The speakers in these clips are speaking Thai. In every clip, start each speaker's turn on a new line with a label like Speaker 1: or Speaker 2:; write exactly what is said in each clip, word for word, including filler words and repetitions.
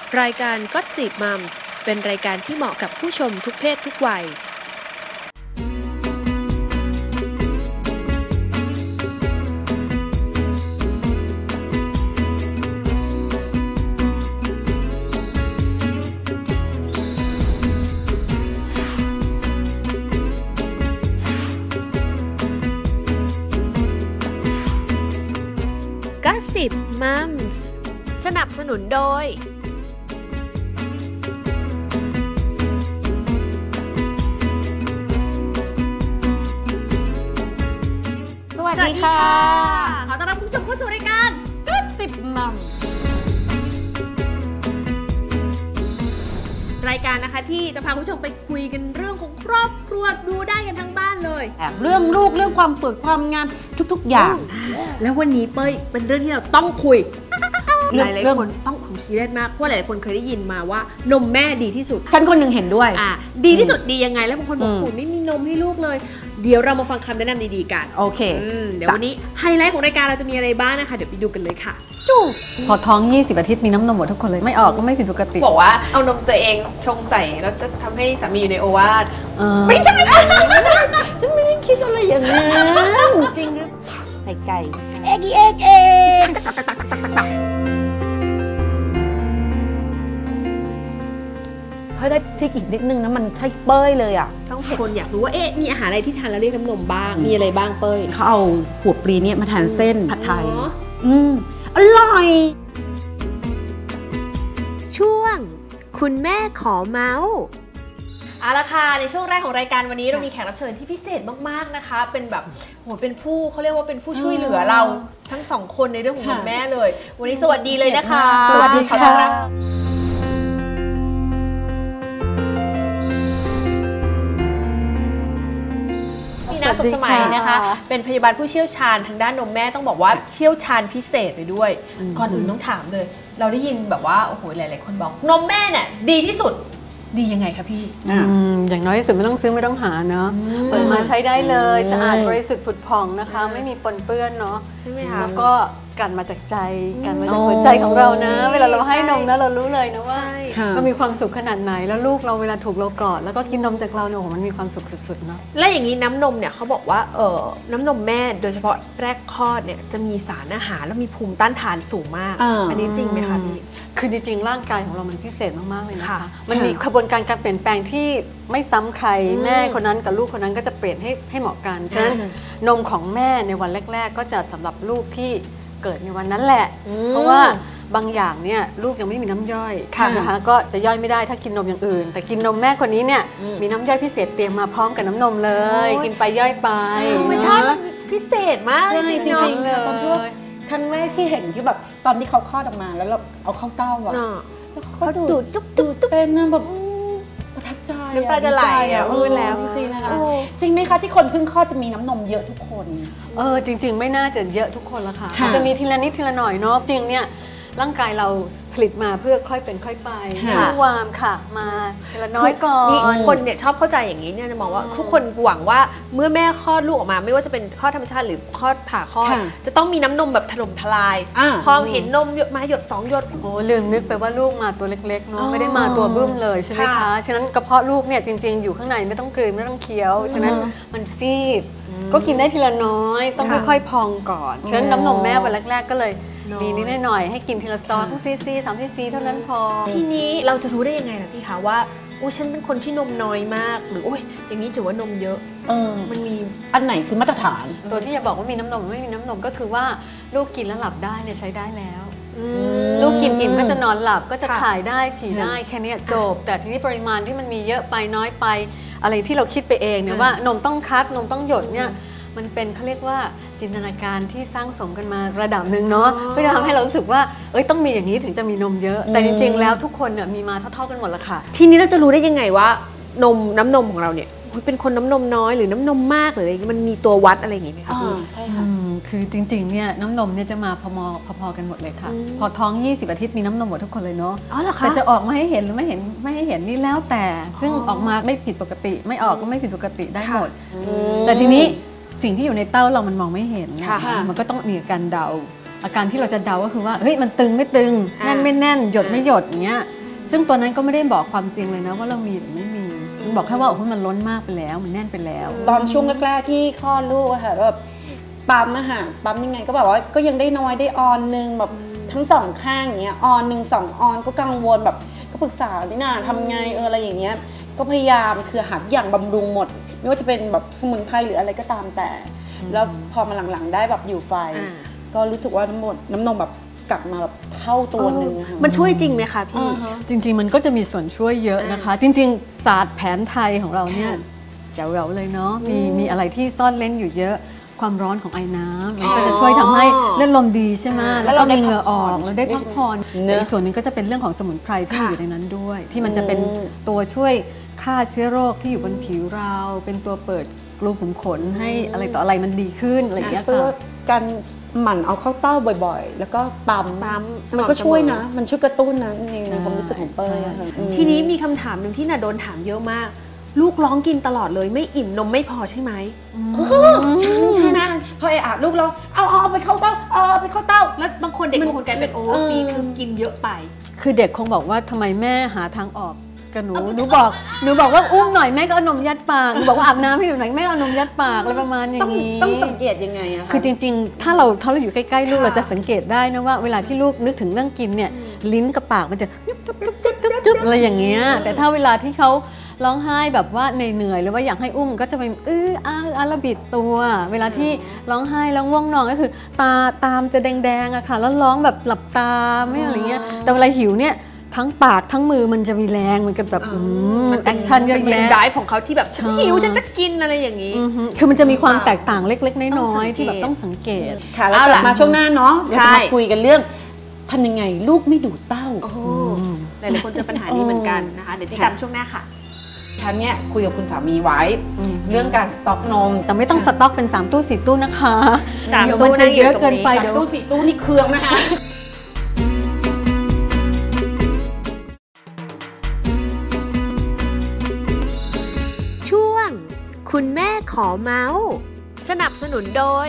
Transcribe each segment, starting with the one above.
Speaker 1: รายการ Gossip Moms เป็นรายการที่เหมาะกับผู้ชมทุกเพศทุกวัยGossip Moms สนับสนุนโดย
Speaker 2: สวัสดีค่ะขอต้อนรับคุณผู้ชมเข้าสู่รายการ Gossip Moms รายการนะคะที่จะพาคุณผู้ชมไปคุยกันเรื่องของครอบครัวดูได้กันทั้งบ้านเลย
Speaker 3: เรื่องลูกเรื่องความสวยความงามทุกๆอย่าง
Speaker 1: แล้ววันนี้เป้ยเป็นเรื่องที่เราต้องคุยหลายๆคนต้องคุยซีเรียสมากเพราะหลายคนเคยได้ยินมาว่านมแม่ดีที่สุด
Speaker 3: ฉันคนหนึ่งเห็นด้วย
Speaker 1: อ่ะดีที่สุดดียังไงแล้วบางคนบอกโอ้ไม่มีนมให้ลูกเลยเดี๋ยวเรามาฟังคำแนะนำดีๆกัน
Speaker 3: โอเค
Speaker 1: เดี๋ยววันนี้ไฮไลท์ของรายการเราจะมีอะไรบ้างนะคะเดี๋ยวไปดูกันเลยค่ะ
Speaker 3: จูพอท้องยี่สิบอาทิตย์มีน้ำนมหมดทุกคนเลยไม่ออกก็ไม่ผิดปกติ
Speaker 1: บอกว่าเอานมตัวเองชงใส่แล้วจะทำให้สามีอยู่ในโอวาท
Speaker 3: ไม่ใช่ฉันไม่ได้คิดอะไรอย่างนั้น
Speaker 1: จริงหรือ
Speaker 3: ไก่ไก่
Speaker 2: เอ็กเอ็กเอ็ก
Speaker 3: เฮ้ยได้พริกอีกนิดนึงนะมันใช่เป้ยเลยอ่ะ
Speaker 1: ต้องคนอยากรู้ว่าเอ๊ะมีอาหารอะไรที่ทานแล้วเรียกน้ำนมบ้างมีอะไรบ้างเป้ย
Speaker 3: เขาเอาหัวปลีเนี่ยมาทานเส้นผัดไทยอืมอร่อย
Speaker 1: ช่วงคุณแม่ขอเมาส์เอาละค่ะในช่วงแรกของรายการวันนี้เรามีแขกรับเชิญที่พิเศษมากๆนะคะเป็นแบบโหเป็นผู้เขาเรียกว่าเป็นผู้ช่วยเหลือเราทั้งสองคนในเรื่องของคุณแม่เลยวันนี้สวัสดีเลยนะคะ
Speaker 3: สวัสดีค่ะ
Speaker 1: พี่นาสุขสมัยนะคะเป็นพยาบาลผู้เชี่ยวชาญทางด้านนมแม่ต้องบอกว่าเชี่ยวชาญพิเศษเลยด้วยก่อนอื่นต้องถามเลยเราได้ยินแบบว่าโอ้โหหลายๆคนบอกนมแม่เนี่ยดีที่สุดดียังไงคะพี่
Speaker 4: อ, อย่างน้อยที่สุดไม่ต้องซื้อไม่ต้องหาเนาะเปิดมาใช้ได้เลยสะอาดบริสุทธิ์ผุดผ่องนะคะไม่มีปนเปื้อนเนาะ
Speaker 1: ใช่ไหมคะ
Speaker 4: แล้วก็กันมาจากใจกันมาจากหัวใจของเรานะเวลาเราให้นมนะเรารู้เลยนะว่าเรามีความสุขขนาดไหนแล้วลูกเราเวลาถูกเรากอดแล้วก็กินนมจากเราเนี่ยโอ้โหมันมีความสุขสุดๆเนาะ
Speaker 1: และอย่างนี้น้ำนมเนี่ยเขาบอกว่าเออน้ำนมแม่โดยเฉพาะแรกคลอดเนี่ยจะมีสารอาหารและมีภูมิต้านทานสูงมาก อันนี้จริงไหมคะพี่
Speaker 4: คือจริงๆร่างกายของเรามันพิเศษมากๆเลยนะคะมันมีกระบวนการการเปลี่ยนแปลงที่ไม่ซ้ำใครแม่คนนั้นกับลูกคนนั้นก็จะเปลี่ยนให้ให้เหมาะกันฉะนั้นนมของแม่ในวันแรกๆก็จะสำหรับลูกที่เกิดในวันนั้นแหละเพราะว่าบางอย่างเนี่ยลูกยังไม่มีน้ำย่อยนะคะก็จะย่อยไม่ได้ถ้ากินนมอย่างอื่นแต่กินนมแม่คนนี้เนี่ยมีน้ำย่อยพิเศษเตรียมมาพร้อมกับน้ำนมเลยกินไปย่อยไป
Speaker 1: ไม่ใช่พิเศษมาก
Speaker 3: จริงๆเลยครั้งแรกที่เห็นที่แบบตอนที่เขาคลอดออกมาแล้วเราเอาเข้าเต้าอ่ะแล้วเขาดูดจุ๊บจุ๊บเป็นแบบประทับใจ
Speaker 1: น้ำตาจะไหลอ่ะพูดแล้ว
Speaker 3: จริงๆนะคะจริงไหมคะที่คนเพิ่งคลอดจะมีน้ำนมเยอะทุกคน
Speaker 4: เออจริงๆไม่น่าจะเยอะทุกคนละค่ะจะมีทีละนิดทีละหน่อยเนาะจริงเนี่ยร่างกายเราผลิตมาเพื่อค่อยเป็นค่อยไปไม่วามค่ะมาทีละน้อยก่อน
Speaker 1: คนเนี่ยชอบเข้าใจอย่างนี้เนี่ยจะมองว่าทุกคนหวังว่าเมื่อแม่คลอดลูกออกมาไม่ว่าจะเป็นคลอดธรรมชาติหรือคลอดผ่าคลอดจะต้องมีน้ำนมแบบถล่มทลายพอเห็นนมหยดมาหยดสองหยด
Speaker 4: โอ้ลืมนึกไปว่าลูกมาตัวเล็กๆเนาะไม่ได้มาตัวบึ้มเลยใช่ไหมคะฉะนั้นกระเพาะลูกเนี่ยจริงๆอยู่ข้างในไม่ต้องกลืนไม่ต้องเคี้ยวฉะนั้นมันฟีดก็กินได้ทีละน้อยต้องค่อยๆพองก่อนฉะนั้นน้ำนมแม่วันแรกๆก็เลยมีนิดหน่อยให้กินทีละสตอทั้งซีซีสามซีซีเท่านั้นพอ
Speaker 1: ทีนี้เราจะรู้ได้ยังไงล่ะพี่คะว่าอุ้ยฉันเป็นคนที่นมน้อยมากหรืออุ้ยอย่างนี้ถือว่านมเยอะ
Speaker 3: เออ
Speaker 1: มันมี
Speaker 3: อันไหนคือมาตรฐาน
Speaker 4: ตัวที่จะบอกว่ามีน้ำนมไม่มีน้ำนมก็คือว่าลูกกินแล้วหลับได้เนี่ยใช้ได้แล้วลูกกินอิ่มก็จะนอนหลับก็จะถ่ายได้ฉี่ได้แค่นี้จบแต่ทีนี้ปริมาณที่มันมีเยอะไปน้อยไปอะไรที่เราคิดไปเองเนี่ยว่านมต้องคัดนมต้องหยดเนี่ยมันเป็นเขาเรียกว่าจินตนาการที่สร้างสมกันมาระดับหนึ่งเนาะเพื่อจะทำให้เรารู้สึกว่าเอ้ยต้องมีอย่างนี้ถึงจะมีนมเยอะแต่จริงๆแล้วทุกคนเนี่ยมีมาเท่าๆกันหมดละค่ะ
Speaker 1: ทีนี้เราจะรู้ได้ยังไงว่านมน้ำนมของเราเนี่ยเป็นคนน้ำนมน้อยหรือน้ำนมมากหรืออะไรมันมีตัววัดอะไรอย่างงี้ไหมคะพี่
Speaker 4: ใช่ค่ะคือจริงๆเนี่ยน้ำนมเนี่ยจะมาพอๆพอๆกันหมดเลยค่ะพอท้องยี่สิบอาทิตย์มีน้ำนมหมดทุกคนเลยเนาะ
Speaker 1: อ๋อเหรอคะ
Speaker 4: แต่จะออกมาให้เห็นหรือไม่เห็นไม่ให้เห็นนี่แล้วแต่ซึ่งออกมาไม่ผิดปกติไม่ออกก็ไม่ผิดปกติได้หมดแต่ทีนี้สิ่งที่อยู่ในเต้าเรามันมองไม่เห็นมันก็ต้องมีการเดาอาการที่เราจะเดาก็คือว่าเฮ้ยมันตึงไม่ตึงแน่นไม่แน่นหยดไม่หยดอย่างเงี้ยซึ่งตัวนั้นก็ไม่ได้บอกความจริงเลยนะว่าเรามีหรือไม่มีมันบอกแค่ว่าโอ้โหมันล้นมากไปแล้วมันแน่นไปแล้ว
Speaker 3: ตอนช่วงแรกๆที่คลอดลูกอะค่ะแบบปั๊มอะค่ะปั๊มยังไงก็แบบว่าก็ยังได้น้อยได้ออนนึงแบบทั้งสองข้างอย่างเงี้ยออนหนึ่งสองออนก็กังวลแบบก็ปรึกษานี่นาทำไงเอออะไรอย่างเงี้ยก็พยายามคือหาอย่างบำรุงหมดไม่ว่าจะเป็นแบบสมุนไพรหรืออะไรก็ตามแต่แล้วพอมาหลังๆได้แบบอยู่ไฟก็รู้สึกว่าน้ำนมน้ำนมแบบกลับมาแบบเท่าตัวหนึ่ง
Speaker 1: มันช่วยจริงไหมคะพี่
Speaker 4: จริงๆมันก็จะมีส่วนช่วยเยอะนะคะจริงๆศาสตร์แผนไทยของเราเนี่ยแจ๋วๆเลยเนาะมีมีอะไรที่ซ่อนเล้นอยู่เยอะความร้อนของไอ้น้ำมันก็จะช่วยทำให้เลือดลมดีใช่ไหมแล้วก็มีเหงื่อออกแล้วได้พักผ่อนแต่อีกส่วนนึงก็จะเป็นเรื่องของสมุนไพรที่อยู่ในนั้นด้วยที่มันจะเป็นตัวช่วยฆ่าเชื้อโรคที่อยู่บนผิวเราเป็นตัวเปิดรูขุมขนให้อะไรต่ออะไรมันดีขึ้นอะไรอย่างเงี้ยค่ะ
Speaker 3: การหมั่นเอาเข้าเต้าบ่อยๆแล้วก็ปั๊มมันก็ช่วยนะมันช่วยกระตุ้นนะในความรู้สึกของเป้ย
Speaker 1: ทีนี้มีคำถามหนึ่งที่น่าโดนถามเยอะมากลูกร้องกินตลอดเลยไม่อิ่มนมไม่พอใช่ไหม
Speaker 3: ใช่ใช่ไหมพอไอ้อาลูกเราเอาเอาไปเข้าเต้าเอาไปเข้าเต้า
Speaker 1: แล้วบางคนเด็กบางคนกลายเป็นโอเวอร์ฟีดคือกินเยอะไป
Speaker 4: คือเด็กคงบอกว่าทำไมแม่หาทางออกกับหนูหนูบอกหนูบอกว่าอุ้มหน่อยแม่ก็เอานมยัดปากหนูบอกว่าอาบน้ำให้หนูหน่อยแม่เอานมยัดปากอะไรประมาณอย่างนี้
Speaker 3: ต้องสังเกตยังไงอะ
Speaker 4: คือจริงๆถ้าเราถ้าเราอยู่ใกล้ๆลูกเราจะสังเกตได้นะว่าเวลาที่ลูกนึกถึงเรื่องกินเนี่ยลิ้นกับปากมันจะอะไรอย่างเงี้ยแต่ถ้าเวลาที่เขาร้องไห้แบบว่าเหนื่อยๆหรือว่าอยากให้อุ้มก็จะไปอื้ออ้าอ้าระบิดตัวเวลาที่ร้องไห้แล้วง่วงนอนก็คือตาตามจะแดงๆอะค่ะแล้วร้องแบบหลับตาไม่อะไรเงี้ยแต่เวลาหิวเนี่ยทั้งปากทั้งมือมันจะมีแรงมันก็แบบมันแอคชั่นเยอะแยะ
Speaker 1: ได้ของเขาที่แบบฉันหิวฉันจะกินอะไรอย่างนี้
Speaker 4: คือมันจะมีความแตกต่างเล็กๆน้อยๆที่แบบต้องสังเกต
Speaker 3: ค่ะแล้วกลับมาช่วงหน้าเนาะเราจะมาคุยกันเรื่องทำยังไงลูกไม่ดูดเต้า
Speaker 1: หลายๆคนเจอปัญหานี้เหมือนกันนะคะเดี๋ยวติดตามช่วงหน้าค่ะ
Speaker 3: ฉันเนี่ยคุยกับคุณสามีไว้เรื่องการสต็อกนม
Speaker 4: แต่ไม่ต้องสต็อกเป็นสามตู้สี่ตู้นะคะ
Speaker 1: สามตู้
Speaker 4: จะเยอะเกินไป
Speaker 3: สามตู้สี่ตู้นี่เครื่องนะคะ
Speaker 1: ช่วงคุณแม่ขอเมาส์สนับสนุนโดย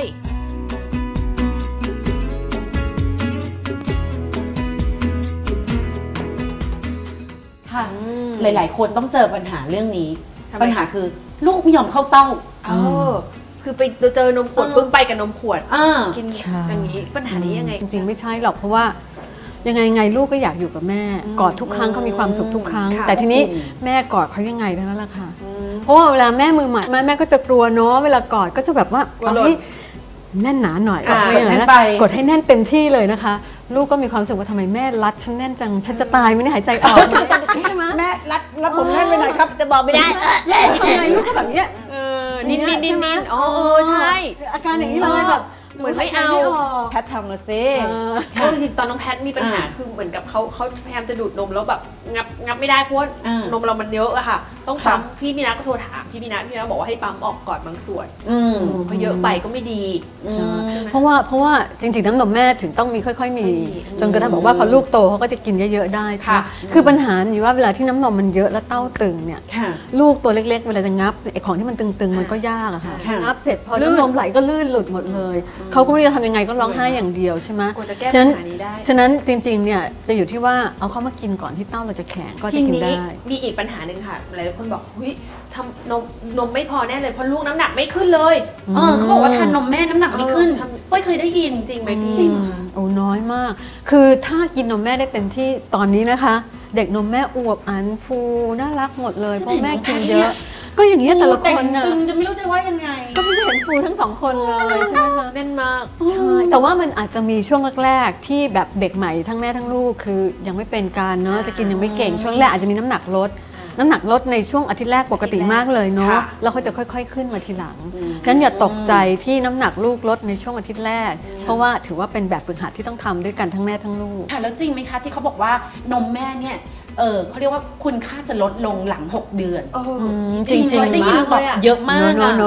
Speaker 3: หลายๆคนต้องเจอปัญหาเรื่องนี้ปัญหาคือลูกไม่ยอมเข้าเต้า
Speaker 1: เออคือไปเจอนมขวดปึ้งไปกับนมขวดกินอย่างนี้ปัญหานี้ยังไง
Speaker 4: จริงๆไม่ใช่หรอกเพราะว่ายังไงไงลูกก็อยากอยู่กับแม่กอดทุกครั้งเขามีความสุขทุกครั้งแต่ทีนี้แม่กอดเขายังไงเท่านั้นแหละค่ะเพราะว่าเวลาแม่มือใหม่แม่ก็จะกลัวเนาะเวลากอดก็จะแบบว่าเอาให้แน่นหนาหน่อยกดให้แน่นไปกดให้แน่นเต็มที่เลยนะคะลูกก็มีความรู้สึกว่าทำไมแม่รัดฉันแน่นจังฉันจะตายไม่ได้หายใจออกใช่ไหม
Speaker 3: แม่รัดรัดผมแน่นไปหน่อยครับ
Speaker 1: จะบอกไม่ได้
Speaker 3: ทำไมลูกก็แบบนี้
Speaker 1: นิ่งๆนิ่งๆอ๋อใช่
Speaker 3: อาการอย่างนี้เลยแบบ
Speaker 1: เหมือนไม่เอา
Speaker 3: แพททำมาซิ
Speaker 1: เพราะจริงๆตอนน้องแพทมีปัญหาคือเหมือนกับเขาเขาพยายามจะดูดนมแล้วแบบงับงับไม่ได้เพราะนมเรามันเยอะอะค่ะต้องปั๊มพี่มีนาก็โทรถามพี่มีนาพี่มีนาบอกว่าให้ปั๊มออกก่อนบางส่วนเพราะเยอะไปก็ไม่ดี
Speaker 4: เพราะว่าเพราะว่าจริงๆน้ำนมแม่ถึงต้องมีค่อยๆมีจนกระทั่งบอกว่าพอลูกโตเขาก็จะกินเยอะๆได้ใช่ไหมคือปัญหาอยู่ว่าเวลาที่น้ำนมมันเยอะแล้วเต้าตึงเนี่ยลูกตัวเล็กๆเวลาจะงับไอ้ของที่มันตึงๆมันก็ยากอะค่ะงับเสร็จพอน้ำนมไหลก็ลื่นหลุดหมดเลยเขาก็ไม่รู้จะทำยังไงก็ร้องไห้อย่างเดียวใช่ไหม
Speaker 1: ฉะนั้น
Speaker 4: ฉะนั้นจริงๆเนี่ยจะอยู่ที่ว่าเอาเข้ามากินก่อนที่เต้าเราจะแข็งก็จะกินได้
Speaker 1: มีอีกปัญหาหนึ่งค่ะหลายคนบอกเฮ้ยทำนมนมไม่พอแน่เลยเพราะลูกน้ำหนักไม่ขึ้นเลย
Speaker 3: เออเขาบอกว่าทานนมแม่น้ำหนักไม่ขึ้นไม่เคยได้ยิน
Speaker 1: จริงไหมพี่
Speaker 3: จริง
Speaker 4: โอ้น้อยมากคือถ้ากินนมแม่ได้เต็มที่ตอนนี้นะคะเด็กนมแม่อวบอันฟูน่ารักหมดเลยเพราะแม่กินเยอะก็อย่างเงี้ยแต่ละคนน่ะ
Speaker 3: จะไม่รู้จะว่ายังไง
Speaker 4: ก็ไม่เห็นฟูทั้งสองคนเลยใช่ไหมคะ
Speaker 1: เล่นมาก
Speaker 4: ใช่แต่ว่ามันอาจจะมีช่วงแรกๆที่แบบเด็กใหม่ทั้งแม่ทั้งลูกคือยังไม่เป็นการเนาะจะกินยังไม่เก่งช่วงแรกอาจจะมีน้ำหนักลดน้ำหนักลดในช่วงอาทิตย์แรกปกติมากเลยเนาะแล้วเขาจะค่อยๆขึ้นมาทีหลังนั้นอย่าตกใจที่น้ำหนักลูกลดในช่วงอาทิตย์แรกเพราะว่าถือว่าเป็นแบบฝึกหัดที่ต้องทำด้วยกันทั้งแม่ทั้งลูก
Speaker 3: ค่ะแล้วจริงไหมคะที่เขาบอกว่านมแม่เนี่ยเออเขาเรียกว่าคุณค่าจะลดลงหลังหกเดือน
Speaker 4: จริงๆ
Speaker 3: ได้ยินแบบเยอะมาก
Speaker 4: เนาะ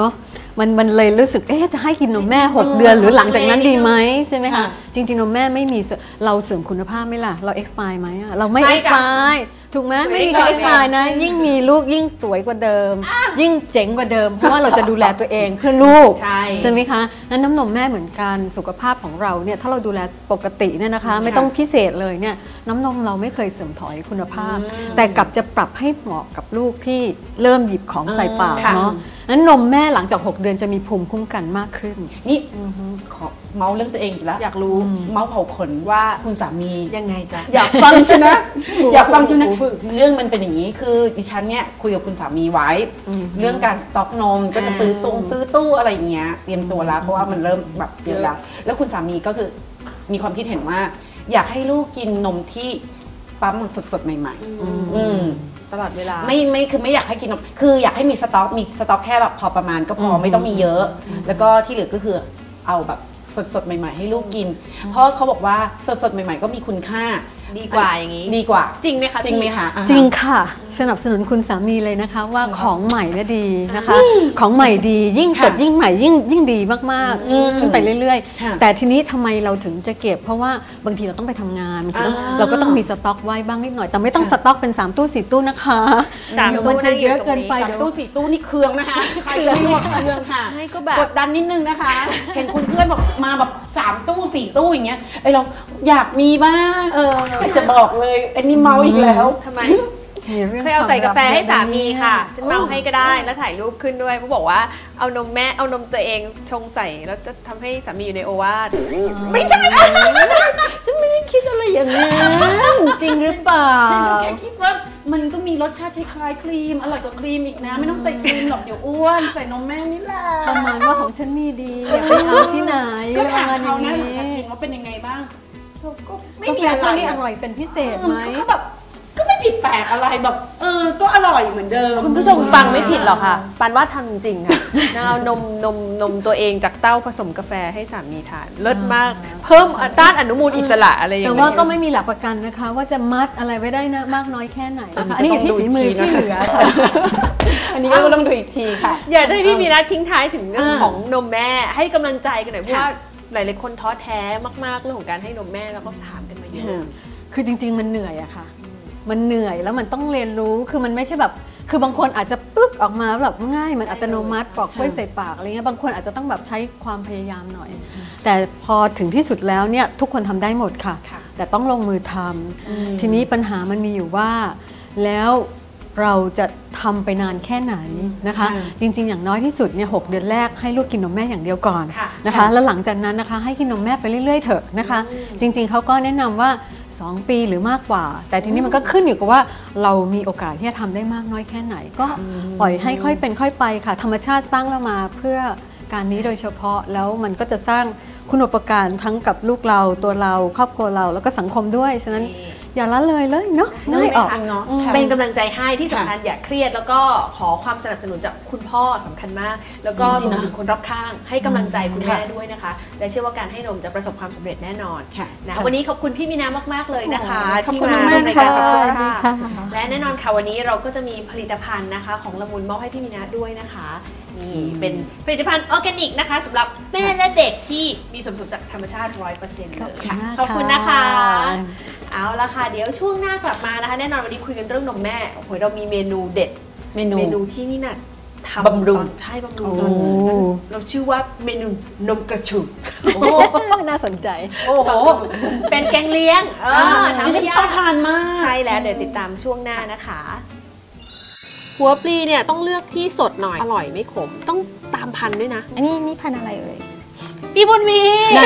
Speaker 4: มันมันเลยรู้สึกเอ๊ะจะให้กินนมแม่หกเดือนหรือหลังจากนั้นดีไหมใช่ไหมคะจริงๆนมแม่ไม่มีเราเสริมคุณภาพไหมล่ะเรา expire ไหมอะเราไม่ expire ถูกไหมไม่มีใคร expire นะยิ่งมีลูกยิ่งสวยกว่าเดิมยิ่งเจ๋งกว่าเดิมเพราะว่าเราจะดูแลตัวเองเพื่อลูกใช่ไหมคะนั้นน้ำนมแม่เหมือนกันสุขภาพของเราเนี่ยถ้าเราดูแลปกติเนี่ยนะคะไม่ต้องพิเศษเลยเนี่ยน้ำนมเราไม่เคยเสื่อมถอยคุณภาพแต่กลับจะปรับให้เหมาะกับลูกที่เริ่มหยิบของใส่ปากเนาะนั้นนมแม่หลังจากหกเดือนจะมีภูมิคุ้มกันมากขึ้น
Speaker 3: นี่ขอเมาเรื่องตัวเองอีกแล้วอยากรู้เมาเผาขนว่าคุณสามี
Speaker 1: ยังไงจ๊ะ
Speaker 3: อยากฟังใช่ไหมอยากฟังใช่ไหมเรื่องมันเป็นอย่างนี้คือดิฉันเนี่ยคุยกับคุณสามีไว้เรื่องการสต็อกนมก็จะซื้อตรงซื้อตู้อะไรอย่างเงี้ยเตรียมตัวแล้วเพราะว่ามันเริ่มแบบเยอะแล้วแล้วคุณสามีก็คือมีความคิดเห็นว่าอยากให้ลูกกินนมที่ปั๊มสดๆใหม่ๆ
Speaker 1: ตลอดเวลา
Speaker 3: ไม่ไม่คือไม่อยากให้กินนมคืออยากให้มีสต็อกมีสต็อกแค่แบบพอประมาณก็พอไม่ต้องมีเยอะแล้วก็ที่เหลือก็คือเอาแบบสดๆใหม่ๆให้ลูกกินเพราะเขาบอกว่าสดๆใหม่ๆก็มีคุณค่า
Speaker 1: ดีกว่าอย่างนี้
Speaker 3: ดีกว่า
Speaker 1: จริงไหมคะ
Speaker 3: จริงไหมคะ
Speaker 4: จริงค่ะสนับสนุนคุณสามีเลยนะคะว่าของใหม่เนี่ยดีนะคะของใหม่ดียิ่งสดยิ่งใหม่ยิ่งยิ่งดีมากๆขึ้นไปเรื่อยๆแต่ทีนี้ทำไมเราถึงจะเก็บเพราะว่าบางทีเราต้องไปทำงานเราก็ต้องมีสต็อกไว้บ้างนิดหน่อยแต่ไม่ต้องสต็อกเป็นสามตู้สี่ตู้นะคะ
Speaker 1: สามตู้
Speaker 4: จะเยอะเกินไป
Speaker 3: สามตู้สี่ตู้นี่เครื่องนะคะเครื่องหมดเครื่องค่ะกดดันนิดนึงนะคะเห็นคุณเพื่อนบอกมาแบบสามตู้สี่ตู้อย่างเงี้ยไอเราอยากมีบ้างเออจะบอกเลยไอ้นี่เมาอีกแล้ว
Speaker 1: ทำไมเคยเอาใส่กาแฟให้สามีค่ะจะเมาให้ก็ได้แล้วถ่ายรูปขึ้นด้วยเขาบอกว่าเอานมแม่เอานมตัวเองชงใส่แล้วจะทำให้สามีอยู่ในโอวาท
Speaker 3: ไม่ใช่จะไม่ได้คิดอะไรอย่างนั้น
Speaker 4: จริงหรือเปล่า
Speaker 3: ฉันแค่คิดว่ามันก็มีรสชาติคล้ายครีมอร่อยกว่าครีมอีกนะไม่ต้องใส่ครีมหรอกเดี๋ยวอ้วนใส่นมแม่นี่แหละ
Speaker 4: ประมาณว่าของฉันมีดีอยากไปเอาที่ไหน
Speaker 3: ก็ถามเขานะอยากกินว่าเป็นยังไงบ้าง
Speaker 4: ก็ไม่มีอะไรนี่อร่อยเป็นพิเศษไหม
Speaker 3: ก็แบบก็ไม่ผิดแปลกอะไรแบบเออก็อร่อยเหมือนเดิม
Speaker 1: คุณผู้ชมฟังไม่ผิดหรอกค่ะปานว่าทำจริงค่ะเอานมนมนมตัวเองจากเต้าผสมกาแฟให้สามีทานเลิศมากเพิ่มต้านอนุมูลอิสระอะไรอย่างเงี้ย
Speaker 4: แต่ว่าก็ไม่มีหลักประกันนะคะว่าจะมัดอะไรไว้ได้นะมากน้อยแค่ไหนนะคะอันนี้อยู่ที่ฝีมือที่เหลือค่ะ
Speaker 3: อันนี้ก็ต้องดูอีกทีค่ะ
Speaker 1: อยากให้พี่มีนัดทิ้งท้ายถึงเรื่องของนมแม่ให้กำลังใจกันหน่อยเพราะว่าหลายๆคนท้อแท้มากๆเรื่องของการให้นมแม่แล้วก็ถามกันมาเยอะ
Speaker 4: คือจริงๆมันเหนื่อยอะค่ะมันเหนื่อยแล้วมันต้องเรียนรู้คือมันไม่ใช่แบบคือบางคนอาจจะปึ๊กออกมาแบบง่ายมันอัตโนมัติปอกกล้วยใส่ปากอะไรเงี้ยบางคนอาจจะต้องแบบใช้ความพยายามหน่อยแต่พอถึงที่สุดแล้วเนี่ยทุกคนทำได้หมดค่ะแต่ต้องลงมือทำทีนี้ปัญหามันมีอยู่ว่าแล้วเราจะทำไปนานแค่ไหนนะคะจริงๆอย่างน้อยที่สุดเนี่ยหกเดือนแรกให้ลูกกินนมแม่อย่างเดียวก่อนนะคะแล้วหลังจากนั้นนะคะให้กินนมแม่ไปเรื่อยๆเถอะนะคะจริงๆเขาก็แนะนำว่าสองปีหรือมากกว่าแต่ทีนี้มันก็ขึ้นอยู่กับว่าเรามีโอกาสที่จะทำได้มากน้อยแค่ไหนก็ปล่อยให้ค่อยเป็นค่อยไปค่ะธรรมชาติสร้างเรามาเพื่อการนี้โดยเฉพาะแล้วมันก็จะสร้างคุณูปการทั้งกับลูกเราตัวเราครอบครัวเราแล้วก็สังคมด้วยฉะนั้นอย่าละเลยเลยเนาะ
Speaker 1: ไม่ออกเป็นกำลังใจให้ที่สำคัญอย่าเครียดแล้วก็ขอความสนับสนุนจากคุณพ่อสำคัญมากแล้วก็รวมถึงคนรอบข้างให้กำลังใจคุณแม่ด้วยนะคะและเชื่อว่าการให้นมจะประสบความสำเร็จแน่นอนนะวันนี้ขอบคุณพี่มีนามากๆเลยนะคะที่มาในรายการกับเราค่ะและแน่นอนค่ะวันนี้เราก็จะมีผลิตภัณฑ์นะคะของละมุนมอบให้พี่มีนาด้วยนะคะนี่เป็นผลิตภัณฑ์ออร์แกนิกนะคะสำหรับแม่และเด็กที่มีส่วนผสมจากธรรมชาติ ร้อยเปอร์เซ็นต์ เลยค่ะขอบคุณนะคะเอาละค่ะเดี๋ยวช่วงหน้ากลับมานะคะแน่นอนวันนี้คุยกันเรื่องนมแม่โอ้โหเรามีเมนูเด็ดเมนูเมนูที่นี่น่ะทำบำรุงใช่บำรุงเราชื่อว่าเมนูนมกระชู
Speaker 4: น่าสนใจ
Speaker 1: โอ้โหเป็นแกงเลี้ยงเออทำ
Speaker 3: ฉันชอบทานมาก
Speaker 1: ใช่แล้วเดี๋ยวติดตามช่วงหน้านะคะหัวปลีเนี่ยต้องเลือกที่สดหน่อยอร่อยไม่ขมต้องตามพันธุ์ด้วยนะ
Speaker 4: อันนี้นี่พันธุ์อะไรเอ่ย
Speaker 1: พี่บุญมี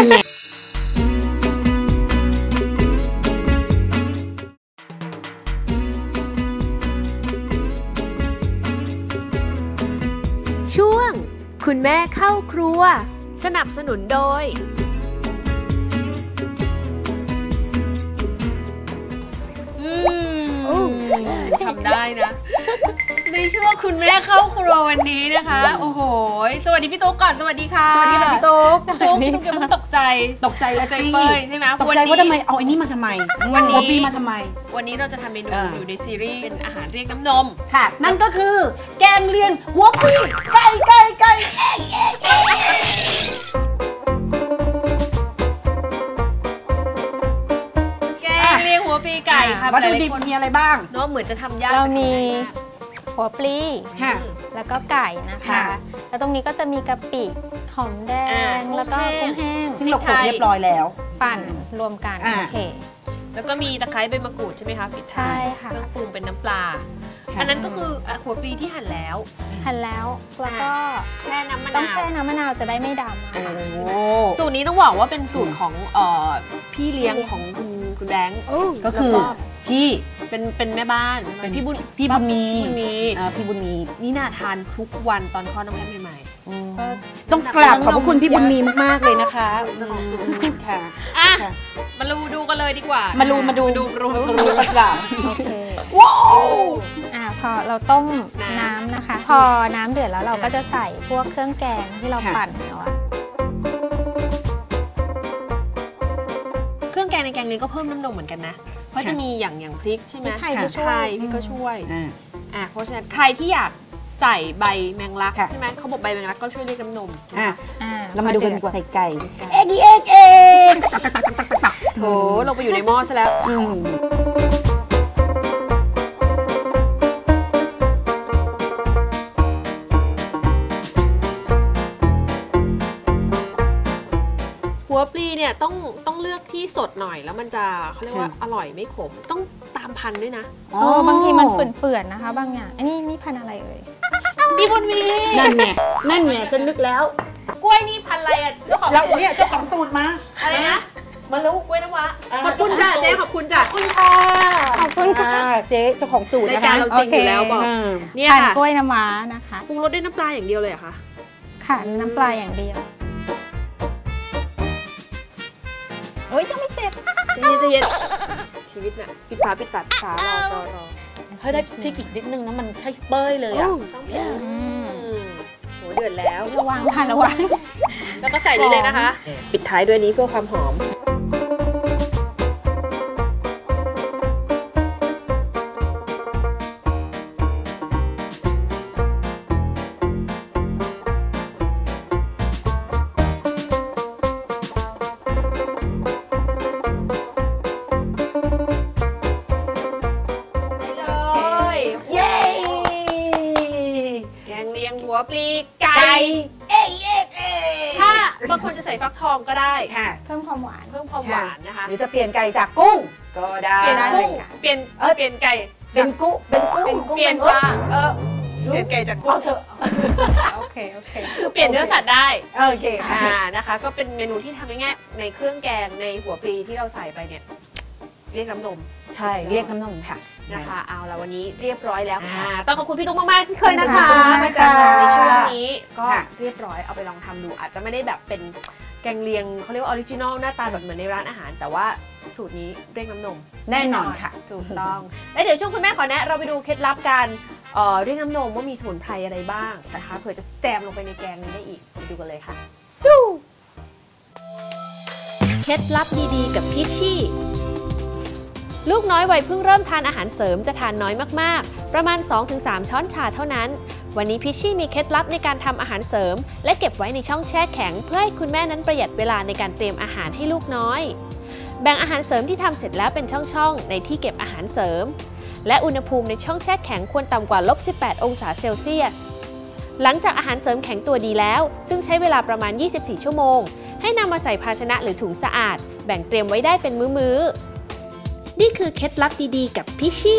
Speaker 1: ช่วงคุณแม่เข้าครัวสนับสนุนโดยทำได้นะ
Speaker 2: ในช่วงคุณแม่เข้าครัววันนี้นะคะโอ้โหสวัสดีพี่ตุ๊กก่อนสวัสดีค่ะ
Speaker 3: สวัสดีค่ะพี่ตุ๊ก
Speaker 2: ตุ๊กตุ๊กอย่าเพิ่งตกใจ
Speaker 3: ตกใจแล้ว
Speaker 2: ใจเป้ยใช่ไหม
Speaker 3: ตกใจว่าทำไมเอาไอ้นี่มาทำไม
Speaker 2: วันนี้
Speaker 3: หัวปีมาทำไม
Speaker 2: วันนี้เราจะทำเมนู
Speaker 3: อ่า
Speaker 2: อยู่ในซีรีส์เป็นอาหารเรียกน้ำนม
Speaker 3: ค่ะ นั่นก็คือแกงเลียงหัวปีไก่ไก่ไก่เอ๊ะเอ๊ะเอ๊ะ
Speaker 2: แกงเลียงหัวปีไก่ค่ะ
Speaker 3: วัตถุ
Speaker 2: หลายๆ
Speaker 3: ดิบ
Speaker 2: คน
Speaker 3: มีอะไรบ้าง
Speaker 2: เนาะเหมือนจะทำยาก
Speaker 5: เรามี
Speaker 2: แต่ทำง่าย
Speaker 5: หัวปลี
Speaker 3: ค่ะ
Speaker 5: แล้วก็ไก่นะคะ
Speaker 3: ค่ะ
Speaker 5: แล้วตรงนี้ก็จะมีกะปิ หอมแด
Speaker 2: อ่าง
Speaker 5: แล้วก็
Speaker 2: กุ้
Speaker 5: กุ้
Speaker 2: ง
Speaker 5: ง
Speaker 2: แห้
Speaker 5: แห้
Speaker 2: ง
Speaker 5: ง
Speaker 3: ซึ่งเราโขลกเรียบร้อยแล้ว
Speaker 5: ปั่นรวมกัน
Speaker 3: อ่า
Speaker 5: โอเค
Speaker 2: แล้วก็มีตะไคร้ใบมะกรูดใช่ไหมคะปิด
Speaker 5: ใช่
Speaker 2: ท้าย
Speaker 5: ค่ะ
Speaker 2: เครื่องปรุงเป็นน้ำปลา
Speaker 3: ค่ะ
Speaker 2: อันนั้นก็คืออ่ะหัวปลีที่หั่นแล้ว
Speaker 5: หั่นแล้ว แล้วก็
Speaker 2: แช่น้ำมะ
Speaker 5: ต้อง
Speaker 2: นาว
Speaker 5: แช่น้ำมะนาวจะได้ไม่ดำ
Speaker 3: โอ้
Speaker 5: อะ
Speaker 3: โห
Speaker 2: สูตรนี้ต้องบอกว่าเป็นสูตรของเอ่อพี่เลี้ยงของคุณคุณแบงค์
Speaker 3: ก็คือพี่
Speaker 2: เป็นเป็นแม่บ้าน
Speaker 3: เป็น
Speaker 2: พี่บุญ
Speaker 3: พี่บุญมี
Speaker 2: บุญมี
Speaker 3: อ่าพี่บุญมี
Speaker 2: นี่น่าทานทุกวันตอนคลอดน้องแก้มใหม่
Speaker 3: ต้องกราบขอบพระคุณพี่บุญมีมากๆเลยนะคะ
Speaker 2: เจ้าของสูตร
Speaker 3: ค่ะ
Speaker 2: ๆอ่ะ
Speaker 3: ค่ะ
Speaker 2: มาดูดูกันเลยดีกว่า
Speaker 3: มาดูมาดู
Speaker 2: ดูดู
Speaker 3: ดู
Speaker 2: ดู
Speaker 3: กันกราบ
Speaker 5: โอเค
Speaker 3: ว้าว
Speaker 5: อ่าพอเราต้ม
Speaker 2: น้ำ
Speaker 5: น้ำนะคะ พอน้ำเดือดแล้วเราก็จะใส่พวกเครื่องแกงที่เราปั่นเนาะ
Speaker 2: เครื่องแกงในแกงเลียงก็เพิ่มน้ำนมเหมือนกันนะ เพราะจะมีอย่างอย่างพริกใช่ไหม
Speaker 5: พริกไทยที่ช่วย
Speaker 2: ไทยพริกก็ช่วย
Speaker 3: อ่า
Speaker 2: อ่ะเพราะฉะนั้นใครที่อยากใส่ใบแมงลัก
Speaker 3: ค่ะ
Speaker 2: ใช่ไหมเขาบอกใบแมงลักก็ช่วยเรียกน้ำนม
Speaker 3: อ่ะ
Speaker 5: อ่า
Speaker 3: เรามาดูกันดีกว่าไข่ไก่
Speaker 5: ค่ะ
Speaker 3: เอ็กเอ็กเอ็ก
Speaker 2: โถลงไปอยู่ในหม้อซะแล้ว
Speaker 3: อืม
Speaker 2: หัวปลีเนี่ยต้องต้องเลือกที่สดหน่อยแล้วมันจะเขาเรียกว่าอร่อยไม่ขมต้องตามพันธุ์ด้วยนะ
Speaker 5: อ๋อบางทีมันเฟื่อนๆนะคะ บางอย่างอันนี้นี่พันธุ์อะไรเอ่ย
Speaker 2: พี่บุญมี
Speaker 3: นั่นไงนั่นไงฉันนึกแล้ว
Speaker 2: กล้วยนี่พันธุ์อะไรอ่ะเจ้าของ
Speaker 3: แล้วเนี่ยเจ้าของสูตรมา
Speaker 2: อะไรนะ
Speaker 3: มารู้
Speaker 2: กล้วยน้ำว้า
Speaker 3: อ่า
Speaker 2: ขอบคุณจ้ะเจ๊ขอบคุณจ้ะ
Speaker 3: ขอบคุณค่ะ
Speaker 5: ขอบคุณค่ะ
Speaker 3: อ่าเจ๊เจ้าของสูตร
Speaker 2: ราย
Speaker 3: นะคะ
Speaker 2: การเราจริงอยู่แล้วบอก
Speaker 3: อ่า
Speaker 2: เนี่ย
Speaker 5: ผ่าน
Speaker 2: ค่ะ
Speaker 5: กล้วยน้ำว้านะคะ
Speaker 2: ปรุงรสด้วยน้ำปลาอย่างเดียวเลยเหรอคะ
Speaker 5: ค่ะน้ำปลาอย่างเดียวเอ้ยยังไม่เสร็จ
Speaker 2: ใจเย็นใจเย็นชีวิตน่ะปิดฝาปิดฝาปิดฝารอรอรอ
Speaker 3: เฮ้ยได้พริกอีกนิดนึงนะมันใช่เป้ยเลยอ่ะ
Speaker 2: ต้องเผ็ด
Speaker 5: อืม
Speaker 2: อืมโหเดือดแล้ว
Speaker 5: ระวังค่ะระวัง
Speaker 2: แล้วก็ใส่นี้เลยนะคะ ปิดท้ายด้วยนี้เพื่อความหอม ไปเลย
Speaker 3: เย้
Speaker 2: แกงเลียงหัวปลีไก่
Speaker 3: ไก่เอ๊ะเอ๊ะเอ๊ะ
Speaker 2: ถ้าบางคนจะใส่ฟักทองก็ได้
Speaker 3: ค่ะ
Speaker 5: เพิ่มความหวาน
Speaker 2: เพิ่มความหวานนะคะ
Speaker 3: หรือจะเปลี่ยนไก่จากกุ้งก็ได้
Speaker 2: เปลี่ยนกุ้ง
Speaker 5: ค่ะ
Speaker 2: เปลี่ยน
Speaker 3: เอ้ย
Speaker 2: เปลี่ยนไก่
Speaker 3: เป็นกุ้งเป็นกุ้ง
Speaker 2: เปลี่ยนปลาเออเปลี่ยนไก่จากกุ้
Speaker 3: เอา
Speaker 2: ง
Speaker 3: เถอะ
Speaker 5: โอเคโอเค
Speaker 2: คือเปลี่ยนเนื้อสัตว์ได้
Speaker 3: โอเคค่ะ
Speaker 2: อ่านะคะ ก็เป็นเมนูที่ทำง่ายๆในเครื่องแกงในหัวปลีที่เราใส่ไปเนี่ยเรียกน้ำนม
Speaker 3: ใช่เรียกน้ำนมค่ะ
Speaker 2: นะคะเอาละวันนี้เรียบร้อยแล้วค่ะ
Speaker 3: อ่า
Speaker 2: ต้องขอบคุณพี่ตุ๊กมากๆที่เคยนะคะ
Speaker 3: ขอบคุณมาก
Speaker 2: มาจาก
Speaker 3: ค่ะ
Speaker 2: ในช่วงนี้ก็
Speaker 3: ค่ะ
Speaker 2: เรียบร้อยเอาไปลองทำดู อาจจะไม่ได้แบบเป็นแกงเลียงเขาเรียกว่าออริจินอลหน้าตาแบบเหมือนในร้านอาหาร แต่ว่าสูตรนี้เรียกน้ำนม
Speaker 3: แน่นอนค่ะ
Speaker 2: ถูกต้อง แล้วเดี๋ยวช่วงคุณแม่ขอแนะเราไปดูเคล็ดลับการเอ่อเรียกน้ำนมว่ามีสมุนไพรอะไรบ้างนะคะเผื่อจะแจมลงไปในแกงนี้ได้อีกไปดูกันเลยค่ะเคล็ดลับดีๆ กับพิชชี่ลูกน้อยวัยเพิ่งเริ่มทานอาหารเสริมจะทานน้อยมากๆ ประมาณ สองถึงสาม ช้อนชาเท่านั้น วันนี้พิชชี่มีเคล็ดลับในการทำอาหารเสริม และเก็บไว้ในช่องแช่แข็งเพื่อให้คุณแม่นั้นประหยัดเวลาในการเตรียมอาหารให้ลูกน้อย แบ่งอาหารเสริมที่ทำเสร็จแล้วเป็นช่องๆในที่เก็บอาหารเสริม และอุณหภูมิในช่องแช่แข็งควรต่ำกว่า ลบสิบแปด องศาเซลเซียส หลังจากอาหารเสริมแข็งตัวดีแล้วซึ่งใช้เวลาประมาณ ยี่สิบสี่ ชั่วโมงให้นำมาใส่ภาชนะหรือถุงสะอาด แบ่งเตรียมไว้ได้เป็นมื้อๆนี่คือเคล็ดลับดีๆกับพิชชี่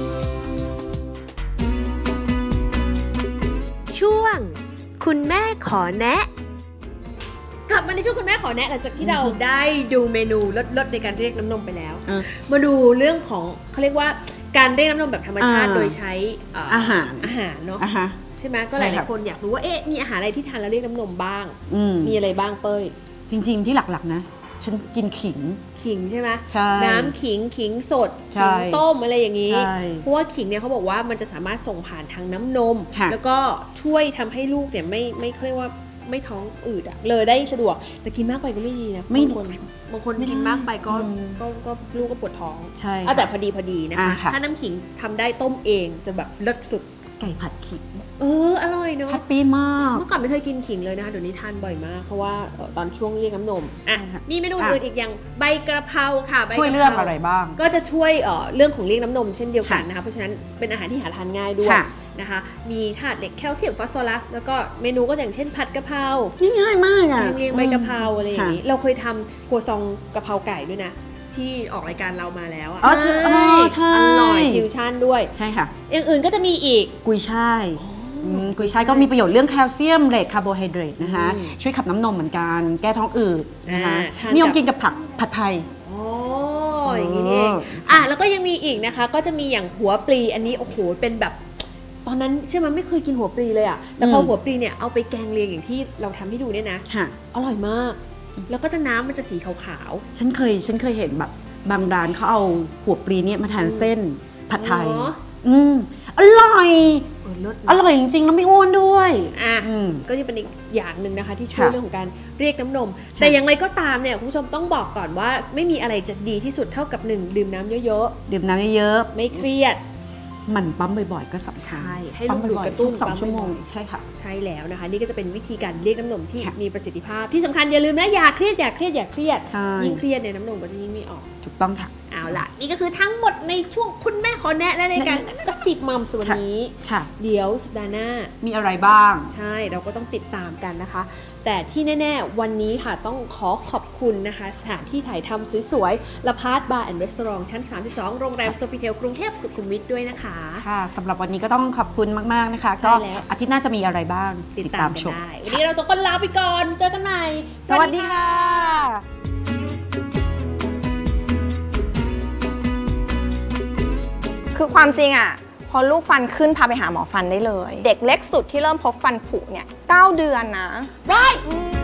Speaker 2: ช่วงคุณแม่ขอแนะ กลับมาในช่วงคุณแม่ขอแนะหลังจากที่เราได้ดูเมนูลดๆในการเรียกน้ำนมไปแล้ว
Speaker 3: เออ
Speaker 2: มาดูเรื่องของเขาเรียกว่าการเรียกน้ำนมแบบธรรมชาติ
Speaker 3: อ่า
Speaker 2: โดยใช้เอ่อ
Speaker 3: อาหาร
Speaker 2: อาหารเนาะ
Speaker 3: อ่ะฮะ
Speaker 2: ใช่ไหมก็ห
Speaker 3: ใช่
Speaker 2: ลาย
Speaker 3: ครับ
Speaker 2: ๆคนอยากรู้ว่าเอ๊ะมีอาหารอะไรที่ทานแล้วเรียกน้ำนมบ้าง
Speaker 3: อืม
Speaker 2: มีอะไรบ้างเป้ย
Speaker 3: จริงๆที่หลักๆนะฉันกินขิง
Speaker 1: ขิงใช่ไหม
Speaker 3: ใช่
Speaker 1: น้ำขิงขิงสด
Speaker 3: ใช่
Speaker 1: ขิงต้มอะไรอย่างนี้
Speaker 3: ใช่
Speaker 1: เพราะว่าขิงเนี่ยเขาบอกว่ามันจะสามารถส่งผ่านทางน้ำนม
Speaker 3: ค่ะ
Speaker 1: แล้วก็ช่วยทำให้ลูกเนี่ยไม่ไม่เขาเรียกว่าไม่ท้องอืดอะเลยได้สะดวกแต่กินมากไปก็ไม่ดีนะ
Speaker 3: ไม่
Speaker 1: บางคนบางคนกินมากไปก็
Speaker 3: อืม
Speaker 1: ก็ก็ลูกก็ปวดท้อง
Speaker 3: ใช่
Speaker 1: เอาแต่พอดีพอดีนะคะ
Speaker 3: อ่าค่ะ
Speaker 1: ถ้าน้ำขิงทำได้ต้มเองจะแบบเลิศสุด
Speaker 3: ไก่ผัดขิง
Speaker 1: เอออร่อยเนาะ
Speaker 3: แฮปปี้มาก
Speaker 1: เมื่อก่อนไม่เคยกินขิงเลยนะคะเดี๋ยวนี้ทานบ่อยมากเพราะว่าเอ่อตอนช่วงเรียกน้ำนมอ่ะ
Speaker 3: ใช่ค่ะ
Speaker 1: มีเมนู
Speaker 3: อ่ะ
Speaker 1: อื่นอีกอย่างใบกระเพราค่ะใบกะพา
Speaker 3: ช่วยเรื่องอะไรบ้าง
Speaker 1: ก็จะช่วยเอ่อเรื่องของเรียกน้ำนมเช่นเดียวกัน
Speaker 3: ค่ะ
Speaker 1: นะคะเพราะฉะนั้นเป็นอาหารที่หาทานง่ายด้วย
Speaker 3: ค่ะ
Speaker 1: นะคะมีธาตุเหล็กแคลเซียมฟอสฟอรัสแล้วก็เมนูก็อย่างเช่นผัดกะเพรา
Speaker 3: ง่ายมากอ่ะ
Speaker 1: แกงเลียงใบกะเพราอะไรอย่างนี้
Speaker 3: ค่ะ
Speaker 1: เราเคยทำครัวซองกะเพราไก่ด้วยนะที่ออกรายการเรามาแล้วอะ
Speaker 3: อ๋อใช่อ๋อใช่
Speaker 1: อร่อยฟิวชั่นด้วย
Speaker 3: ใช่ค่ะ
Speaker 1: อย่างอื่นก็จะมีอีก
Speaker 3: กุยช่ายมกุยช่ายก็มีประโยชน์เรื่องแคลเซียมเหล็กคาร์โบไฮเดรตนะคะ
Speaker 1: อืม
Speaker 3: ช่วยขับน้ำนมเหมือนกันแก้ท้องอืดนะคะ
Speaker 1: อ่าทาน
Speaker 3: นิยม
Speaker 1: กับ
Speaker 3: กินกับผักผัดไทย
Speaker 1: โอ้อย่างนี้นี่เองอ่ะแล้วก็ยังมีอีกนะคะก็จะมีอย่างหัวปลีอันนี้โอ้โหเป็นแบบตอนนั้นเชื่อมันไม่เคยกินหัวปลีเลยอะแต่พอ
Speaker 3: อืม
Speaker 1: หัวปลีเนี่ยเอาไปแกงเลียงอย่างที่เราทำให้ดูเนี่ยนะ
Speaker 3: ค่ะ
Speaker 1: อร่อยมาก แล้วก็จะน้ำมันจะสีขาว
Speaker 3: ฉันเคยฉันเคยเห็นแบบบางร้านเขาเอาหัวปลีเนี่ยมาทานเส้นผัดไทย
Speaker 1: เหรอ
Speaker 3: อืมอร่อย
Speaker 1: ๆเออเลิศ
Speaker 3: อร่อยจริงๆ แล้วไม่อ้วนด้วย
Speaker 1: อ่ะ
Speaker 3: อืม
Speaker 1: ก็นี่เป็นอีกอย่างหนึ่งนะคะที่ช่วย
Speaker 3: ค่ะ
Speaker 1: เรื่องของการเรียกน้ำนม แต่อย่างไรก็ตามเนี่ยคุณผู้ชมต้องบอกก่อนว่าไม่มีอะไรจะดีที่สุดเท่ากับหนึ่งดื่มน้ำเยอะ
Speaker 3: ดื่มน้ำเยอะ
Speaker 1: ๆไม่เครียด
Speaker 3: ๆหมันปั๊มบ่อยๆ ก็สำคัญ
Speaker 1: ใช่ให้
Speaker 3: ปั๊ม
Speaker 1: ลูกดูด
Speaker 3: บ่อย
Speaker 1: กระตุ้น
Speaker 3: ๆทุสอง
Speaker 1: ปั๊ม
Speaker 3: ชั่วโมง
Speaker 1: บ่อยๆ
Speaker 3: ใช่ค่ะ
Speaker 1: ใช่แล้วนะคะ นี่ก็จะเป็นวิธีการเรียกน้ำนมที่
Speaker 3: ค่ะ
Speaker 1: มีประสิทธิภาพที่สำคัญอย่าลืมนะอย่าเครียดอย่าเครียดอย่าเครียด
Speaker 3: ใช่
Speaker 1: ยิ่งเครียดเนี่ยน้ำนมก็จะยิ่งไม่ออก
Speaker 3: ถูกต้องค่ะ
Speaker 1: เอาล่ะ นี่ก็คือทั้งหมดในช่วงคุณแม่ขอแนะและในการกระสิบมัมส่วนนี้
Speaker 3: ค่ะ
Speaker 1: เดี๋ยวสัปดาห์หน้า
Speaker 3: มีอะไรบ้าง
Speaker 1: ใช่เราก็ต้องติดตามกันนะคะ แต่ที่แน่ๆ วันนี้ค่ะต้องขอขอบคุณนะคะ สถานที่ถ่ายทำสวยๆละพาร์ทบาร์แอนด์รีสอร์ทชั้น สามสิบสอง โรงแรมโซฟิเทลกรุงเทพสุขุมวิทด้วยนะคะ
Speaker 3: ค่ะสำหรับวันนี้ก็ต้องขอบคุณมากๆนะคะ
Speaker 1: ใช่
Speaker 3: ก็
Speaker 1: แล้ว
Speaker 3: อาทิตย์หน้าจะมีอะไรบ้าง
Speaker 1: ติดตามกัน
Speaker 3: ชม
Speaker 1: ได้ วันนี้เราจะก็ลาไปก่อน เจอกันใหม่
Speaker 3: สวัสดีค่ะ
Speaker 6: คือความจริงอ่ะพอลูกฟันขึ้นพาไปหาหมอฟันได้เลย เด็กเล็กสุดที่เริ่มพบฟันผุเนี่ยเก้าเดือนนะ
Speaker 1: ว้าย
Speaker 6: อืม